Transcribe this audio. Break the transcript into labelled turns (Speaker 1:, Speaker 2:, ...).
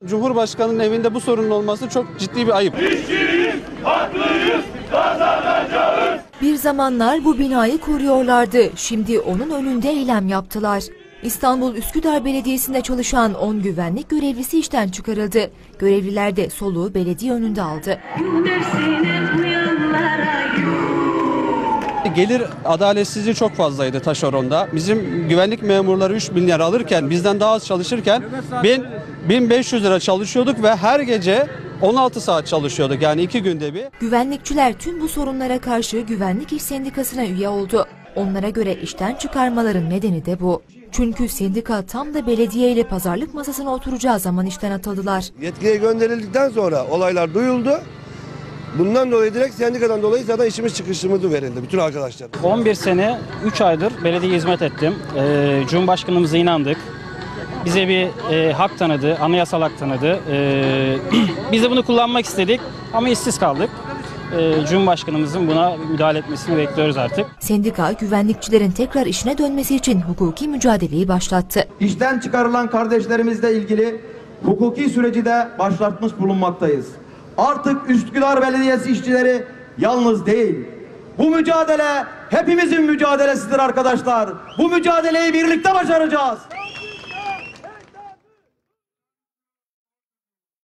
Speaker 1: Cumhurbaşkanının evinde bu sorunun olması çok ciddi bir ayıp.
Speaker 2: İşçiyiz, haklıyız, kazanacağız.
Speaker 3: Bir zamanlar bu binayı koruyorlardı. Şimdi onun önünde eylem yaptılar. İstanbul Üsküdar Belediyesi'nde çalışan 10 güvenlik görevlisi işten çıkarıldı. Görevliler de soluğu belediye önünde aldı.
Speaker 1: Gelir adaletsizliği çok fazlaydı taşeronda. Bizim güvenlik memurları 3.000 lira alırken, bizden daha az çalışırken 1500 lira çalışıyorduk ve her gece 16 saat çalışıyorduk, yani 2 günde bir.
Speaker 3: Güvenlikçiler tüm bu sorunlara karşı Güvenlik İş Sendikası'na üye oldu. Onlara göre işten çıkarmaların nedeni de bu. Çünkü sendika tam da belediye ile pazarlık masasına oturacağı zaman işten atıldılar.
Speaker 4: Yetkiye gönderildikten sonra olaylar duyuldu. Bundan dolayı direkt sendikadan dolayı zaten işimiz çıkışımızı verildi bütün arkadaşlar.
Speaker 5: 11 sene 3 aydır belediye hizmet ettim. Cumhurbaşkanımıza inandık. Bize bir hak tanıdı, anayasal hak tanıdı. Biz de bunu kullanmak istedik ama işsiz kaldık. Cumhurbaşkanımızın buna müdahale etmesini bekliyoruz artık.
Speaker 3: Sendika, güvenlikçilerin tekrar işine dönmesi için hukuki mücadeleyi başlattı.
Speaker 6: İşten çıkarılan kardeşlerimizle ilgili hukuki süreci de başlatmış bulunmaktayız. Artık Üsküdar Belediyesi işçileri yalnız değil. Bu mücadele hepimizin mücadelesidir arkadaşlar. Bu mücadeleyi birlikte başaracağız.